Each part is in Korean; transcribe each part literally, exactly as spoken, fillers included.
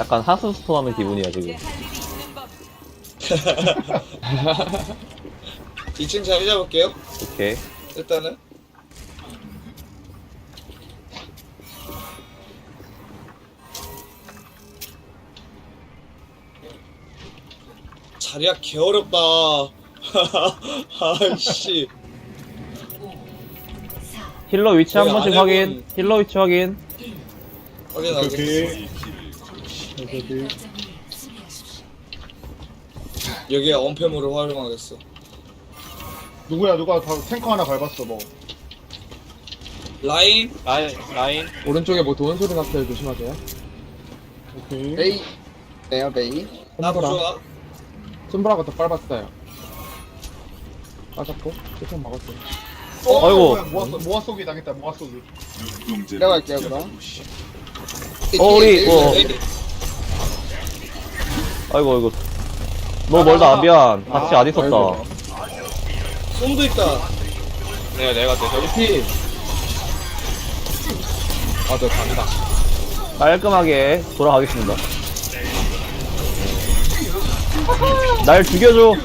약간 하스스톤 하는 기분이야 지금. 이 층 자리 잡을게요. 오케이. 일단은 자리야 개어렵다. 아이씨. 힐러 위치 한 거의 번씩 안 확인. 해본- 힐러 위치 확인. 확인하게. 오케이. 오케이. 여기에 언패물을 활용하겠어. 누구야 누가 다 탱커 하나 밟았어 뭐. 라인 라인 라인 오른쪽에 뭐 도는 소리 났어요. 조심하세요. 오케이. 메이. 네요 메이. 나 손보라. 부조화. 손보라가 더 빨았어요. 빠졌고 세션 먹었어요. 어, 아이고. 뭐야, 모아 쏘- 모아 쏘기 당했다. 모아 쏘기. 내려갈게요 그럼. 어 우리 어. 레인. 아이고 아이고. 너무 멀다. 미안. 같이 안 있었다. 아이고. 솜도 있다. 내가 내가 내가 피. 아저 갑니다. 깔끔하게 돌아가겠습니다. 날 죽여줘.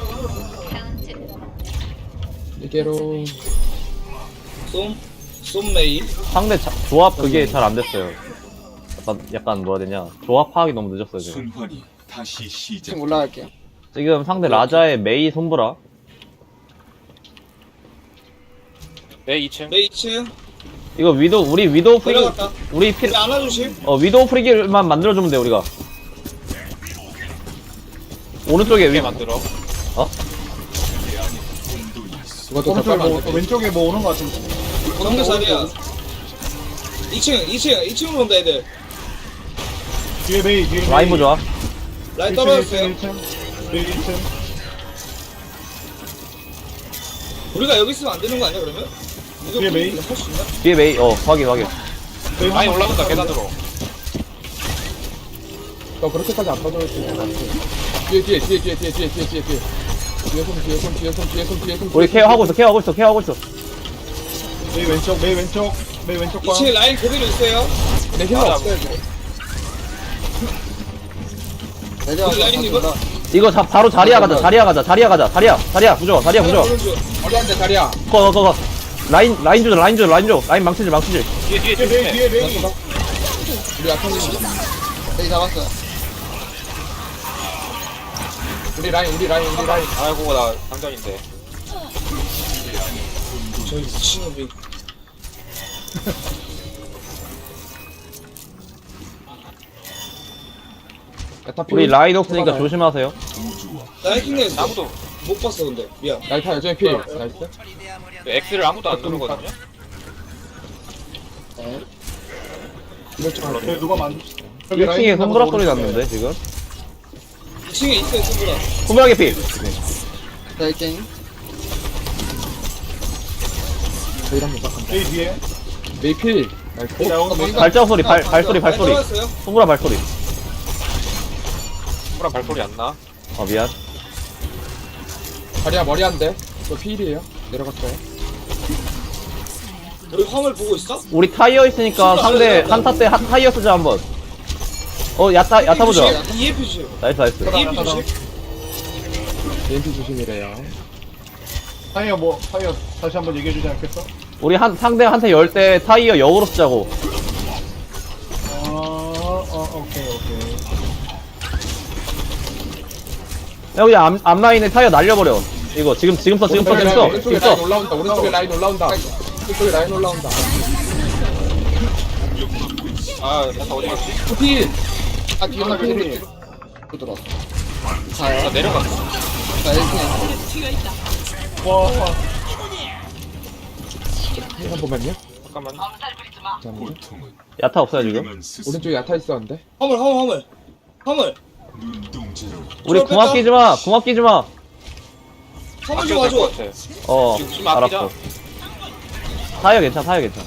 이게로. 솜 솜메이. 상대 자, 조합 그게 잘 안 됐어요. 약간 약간 뭐라 해야 되냐. 조합 파악이 너무 늦었어요 지금. 순환이 다시 시작. 지금 올라갈게요. 지금 상대 라자의 메이 손브라. 내 이 층 메이 이 층. 이거 위도 우리 위도우 프리기 내려갔다. 우리 피 우리 안아주심. 어 위도우 프리기만 만들어주면 돼 우리가. 오른쪽에 위 게 만들어. 이것도 더 오른쪽에 빨면 뭐 안 돼. 왼쪽에 뭐 오는 거 같은데. 정글 자리야. 이 층 이 층 이 층으로 온다 애들. 뒤에 메이 뒤에 메이. 라인 보자. 라인 일 층, 떨어졌어요. 일 층, 메이 일 층. 우리가 여기 있으면 안 되는 거 아니야 그러면? 이거 뒤에 메이. 할수 있나? 뒤에 메이 어 확인 확인. 메이 라인 한 올라간다 번 계단으로. 너 그렇게까지 안 빠져올 수 있는 것 같아. 뒤에 뒤에 뒤에 뒤에 뒤에 뒤에 뒤에 뒤에 뒤에. 뒤에 손 뒤에 손 뒤에 손 뒤에 손 뒤에 손. 우리 케어하고 있어 케어하고 있어 케어하고 있어. 메이 왼쪽 메이 왼쪽 메이 왼쪽 봐. 이 층에 라인 그대로 있어요. 내 힐러 맞아. 없어요. 우리 라인 이거. 이거 자, 바로 자리야 가자 자리야 가자 자리야 가자 자리야 자리야 부조 자리야 부조. 어디한테 자리야. 거거 라인 라인 주자 라인 주자 라인 줘 라인 망치질 망치질. 뒤에 뒤에 뒤에 메이 뒤에. 뒤에 메이. 우리 아타님. 메이 잡았어요. 우리 라인 우리 라인 우리 라인. 아이고 나 당전인데. 저 미친놈이. 야타 피. 우리 라인 없으니까 조심하세요. 나 해킹냈어. 아무도 못 봤어 근데. 미안. 야타 여전히 피. 나이스. X를 아무도 안 누르거든요. 이럴 줄 알았어. 네, 누가 만. 여기 일 층에 라인 손브라 하나 소리 더 났는데 지금. 이 층에 있어요 친구가. 손브라 개피. 네, 게임. 메이 한번 딱. 메이 뒤에. 메이 필. 나이스. 야, 오늘 메이 발자국 소리 발 발소리 라인 발소리. 떨어졌어요. 손브라 발소리. 후랑 발소리 안 나. 어 미안. 자리야 머리 안 돼. 저 필이에요. 내려갔어요. 우리 화물 보고 있어? 우리 타이어 있으니까 상대 한타 때 하- 타이어 쓰자 한번. 어 야타 야타 보자. 이에피 주심. 나이스 나이스. 이에피 주심. 이엠피 조심이래요. 타이어 뭐 타이어 다시 한번 얘기해 주지 않겠어? 우리 한 상대 한테 열 때 타이어 역으로 쓰자고. 어, 어 오케이 오케이. 여기 앞 앞라인에 타이어 날려버려. 이거 지금 지금 써 지금 써 지금 써 오른쪽에 지금 라인 써. 올라온다. 오른쪽에 라인 올라온다. 오른쪽에 라인 올라온다. 아 야타 어디 갔지? 필. 아 뒤에 하나 하나 필. 필이. 들어왔어. 나 내려갔어. 자 이렇게. 와. 한 번만요. 잠깐만. 잠깐만요. 고통은 야타 없어요 지금. 그만 스스로 오른쪽에 야타 있었는데. 화물 화물 화물. 화물. 눈동자로 우리 저를 궁합 뺐다. 끼지 마. 궁합 끼지 마. 화물 좀 아껴도 와줘. 될것 같아. 어 지금 좀 아끼자. 알았어. 타이어 괜찮아 타이어 괜찮아.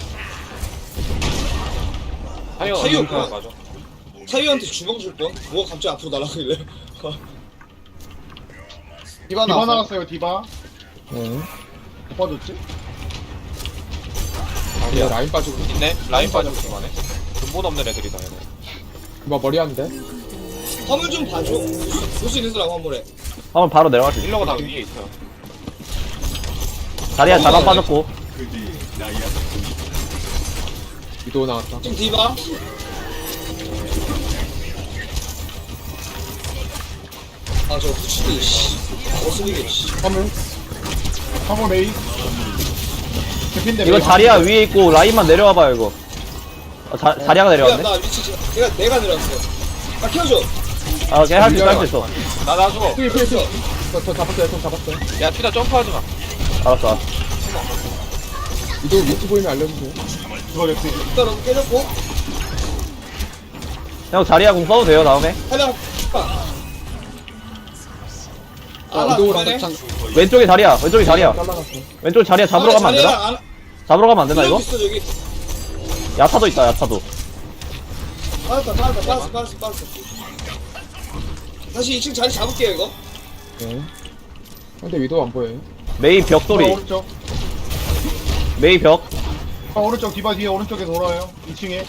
타이어 타이어 어디 뭐야? 맞아. 타이어한테 주먹 줄 뻔. 뭐가 갑자기 앞으로 날아가길래. 디바 디바 나갔어요 디바. 네. 못 빠졌지? 아니야 라인 빠지고. 있네. 라인 빠지고 그만해. 근본 없는 애들이다 얘네. 디바 머리 안 돼. 화물 좀 봐줘. 볼 수 있는 사람 화물에. 한번 바로 내려갈 수 있어. 힐러가 다 위에 있어. 자리야 자방 빠졌고. 그대의 나야 위도 나왔다. 지금 디바. 아, 저 후치기, 씨. 어슬리게, 씨. 화물. 화물 메이. 개핀데 이거 메이. 자리야 위에 있고 라인만 내려와봐요 이거. 어, 자, 자리야가 내가, 내려왔네. 나 위치, 지금- 내가, 내가 내려왔어. 나 키워줘. 아, 걔 할 수 있어 할 수 있어. 나, 나 죽어. 필, 필, 필. 저, 저 잡았어요, 저 잡았어요. 야, 피다 점프하지 마. 알았어 알았어. 위도 위치 보이면 알려주세요. 이거 개피. 일단은 깨졌고. 형 자리야 공 써도 돼요 다음에. 하나, 빠. 자, 하나, 위도랑 그만해. 장, 왼쪽에 자리야 왼쪽에 자리야. 잘라갔어. 왼쪽 자리야 잡으러 가면 안 되나? 자리야, 안- 잡으러 가면 안 되나 이거? 있어, 저기. 야타도 있다 야타도. 빠졌다, 빠졌다, 빠졌어, 빠졌어, 빠졌어. 다시 이 층 자리 잡을게요, 이거. 네. 근데 위도 안 보여요. 메이 벽 아, 소리. 오른쪽. 메이 벽. 아, 오른쪽 디바 뒤에 오른쪽에 돌아요. 이 층에.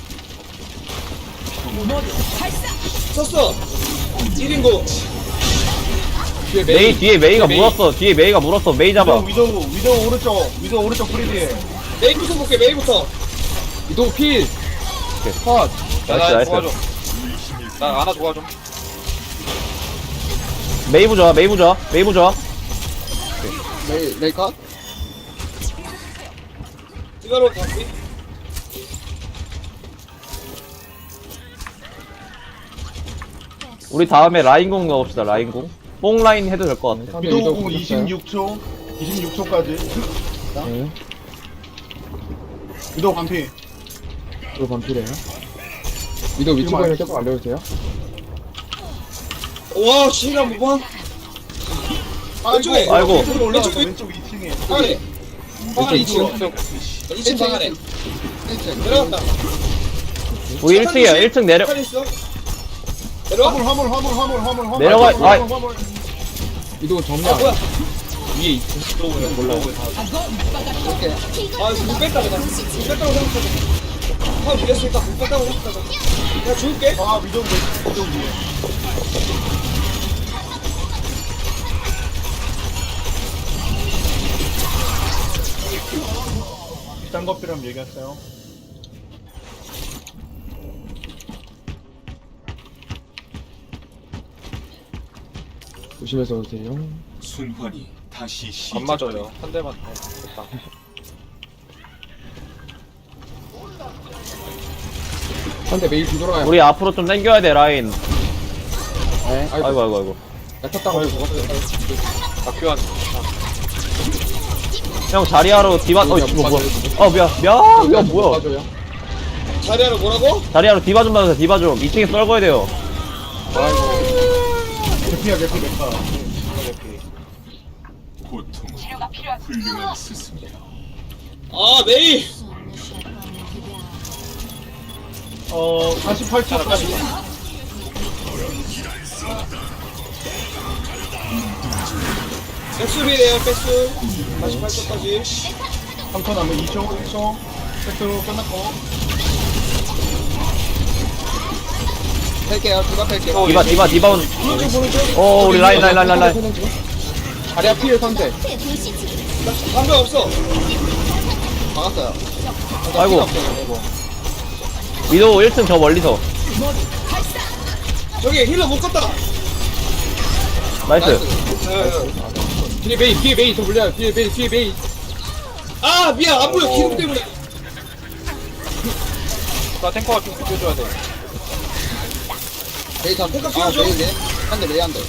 썼어. 일 인공. 뒤에 메이 메이. 뒤에 메이가 메이. 물었어. 뒤에 메이가 물었어. 메이 잡아. 위도 위도 위도 오른쪽. 위도 오른쪽 프리디에. 메이부터 볼게, 메이부터. 위도 필. 컷. 야, 나이스, 나 나이스. 도와줘. 나 하나 도와줘. 메이 부좋아 메이 부좋아 메이 부좋아. 메이, 메이 컷. 디바로 갔지? 우리 다음에 라인공 넣읍시다 라인공. 뽕 라인 해도 될 것 같아. 상대 위도 위도 공 붙었어요. 이십육 초. 이십육 초까지. 네. 위도 반피. 위도 반필이에요. 위도 위치 지금 보이면 알- 조금 알려주세요. 와, 지인 한 번. 왼쪽에. 아이고. 왼쪽으로 올라갔어. 왼쪽, 왼쪽 이 층에. 방안에. 방안에 이 층. 왼쪽. 이 층 방안에. 내려갔다. 우리 일 층이야 일 층 내려. 칼 있어. 내려와. 화물 화물 화물 화물 화물 화물. 내려가- 화물, 아이. 화물, 화물. 위도 아, 정면. 뭐야. 위에 있어. 몰라요. 아, 이거 못 뺐다, 그냥. 못 뺐다고 생각하자. 아, 밀렸으니까 못 뺐다고 생각하자. 내가 죽을게. 아 위도 위- 위도 위에. 딴거 필요하면 얘기하세요. 조심해서 오세요. 순환이 다시 시작. 안 맞아요. 한 대만. 어, 됐다. 상대 메이 뒤돌아가요. 우리 앞으로 좀 당겨야 돼 라인. 네. 아이고 아이고 아이고. 약탔다고 죽었어요. 나 교환. 형 자리하러 디바. 어 이거 뭐야? 어 미안 미안. 야 뭐야? 맞아요. 자리하러 뭐라고? 자리하러 디바 좀 받으세요 디바 좀. 이 층에 썰거야 돼요. 개피야 개피 메카. 고통 훌륭한 스승이야. 아, 메이. 어 사십팔 초까지. 백수비래요, 백수. 사십팔 초까지. 삼 초 남은 이 초 일 초. 백으로 끝났고. 뺄게요, 누가 뺄게요. 디바 디바 디바 온. 보는 중, 보는 중. 어 우리 라인 라인 라인 라인 라인. 자리야 피해 상대. 방금 없어. 막았어요. 아이고. 위도 일 층 저 멀리서. 저기 힐러 못 갔다. 나이스. 뒤에 메이, 뒤에 메이 더 물려요. 뒤에 메이, 뒤에 메이. 아, 미안, 안 보여. 기름 때문에. 나 탱커가 좀 비켜줘야 돼. 메이 다 탱커 키워줘. 한대 메이 한 대.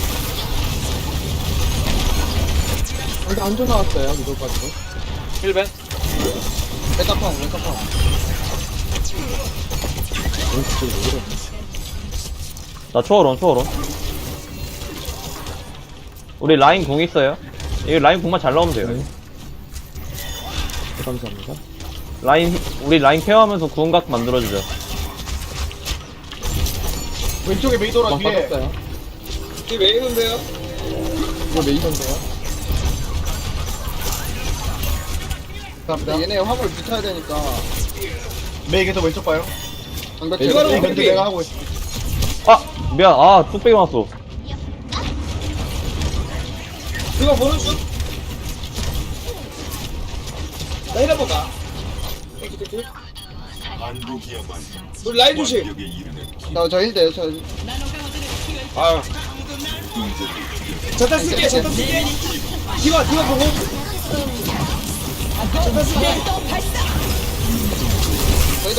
근데 안전 나왔어요. 이거 가지고. 힐벤. 메카펑, 메카펑. 나 초월온 초월온. 우리 라인 공 있어요. 이 라인 공만 잘 나오면 돼요. 감사합니다. 라인 우리 라인 케어하면서 구원각 만들어주자. 왼쪽에 메이 돌아 막 뒤에. 빠졌어요. 이게 왜 이런데요? 이거 메이던데요? 감사합니다. 얘네 화물 붙여야 되니까. 메이 계속 왼쪽 봐요. 방벽 이거는 메이 어떻게- 견제 내가 하고 있어. 아 미안. 아 뚝배기 맞았어. 이거 보는 중. 나 힐 한번 가. 땡큐 땡큐. 반복이야말로 우리 라인 조심. 완벽에 이르는 저저 힐돼요 저. 아유 자탄 쓸게 자탄 쓸게. 디와 디와 보고. 자탄 쓸게. 저기다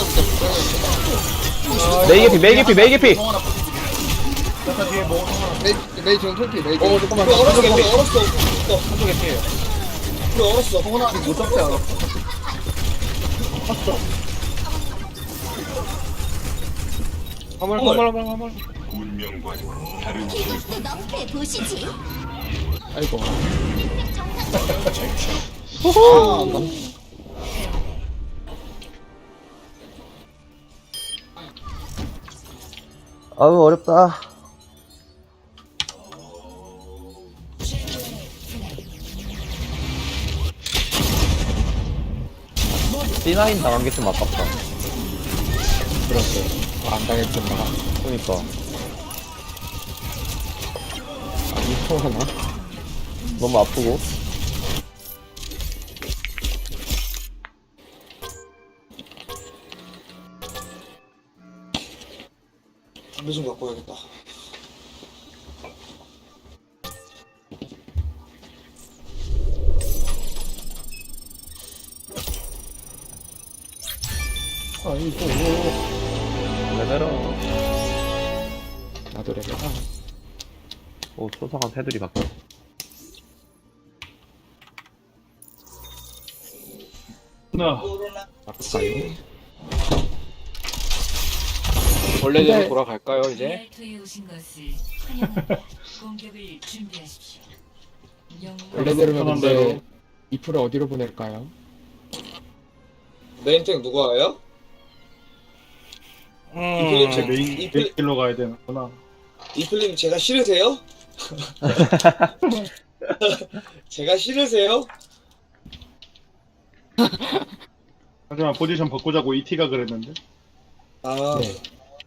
붙여. 메이 개피 메이 개피 메이 개피. 자타 뒤에 뭐 메이 메이 지금 톨피 메이. 어 잠깐만 우리 얼었어 우리 얼었어. 너 한쪽에 피해요 우리 얼었어. 동원아 못 잡지 않아. 화물 화물. 화물 화물 화물 운명과 다른 길 이것도 너프해 보시지. 아이고. 아우 어렵다. 씨나인 당한 게 좀 아깝다. 그렇게 안 당했구나. 그러니까. 아, 이거 하나? 너무 아프고. 담배 좀 갖고 와야겠다. 아이고. 레벨업. 나도 레벨. 아, 오 초상한 테두리 바뀌어. 나. 바꿀까요? 원래대로 근데- 돌아갈까요 이제? 랄토에 오신 것을 환영합니다. 공격을 준비하십시오. 영웅 원래대로면 편한 근데 대로. 이프를 어디로 보낼까요? 메인탱 누가 와요? 이플님 제 메인 이플 메인로 가야 되는구나. 이플님 제가 싫으세요? 제가 싫으세요? 하지만 포지션 바꾸자고 이티가 그랬는데. 아 네.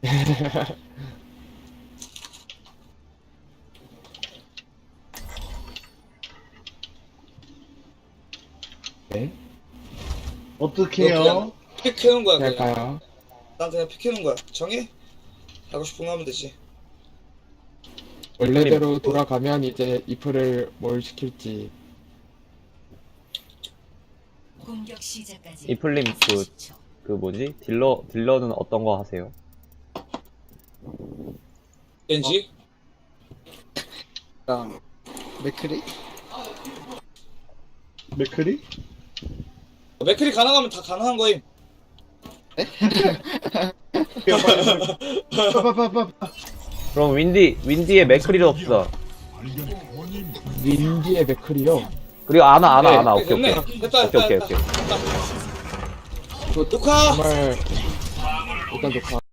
네? 어떻게 해요? 픽해놓은 거야 그냥. 할까요? 난 그냥 픽해놓은 거야. 정해? 하고 싶은 거 하면 되지. 원래대로 돌아가면 이제 이프를 뭘 시킬지. 공격 시작까지 이플님 그, 사십 초. 그 뭐지? 딜러, 딜러는 어떤 거 하세요? 왠지? 맥크리? 맥크리? 맥클이 가능하면 다 가능한 거임. 빠빠빠빠. 그럼 윈디, 윈디의 맥크리를 없어. 윈디의 맥클이요. 그리고 아나, 아나, 네, 아나. 오케이, 됐네. 오케이. 됐다 오케이, 됐다 오케이, 됐다. 오케이. 저 녹화! 정말 일단 녹화.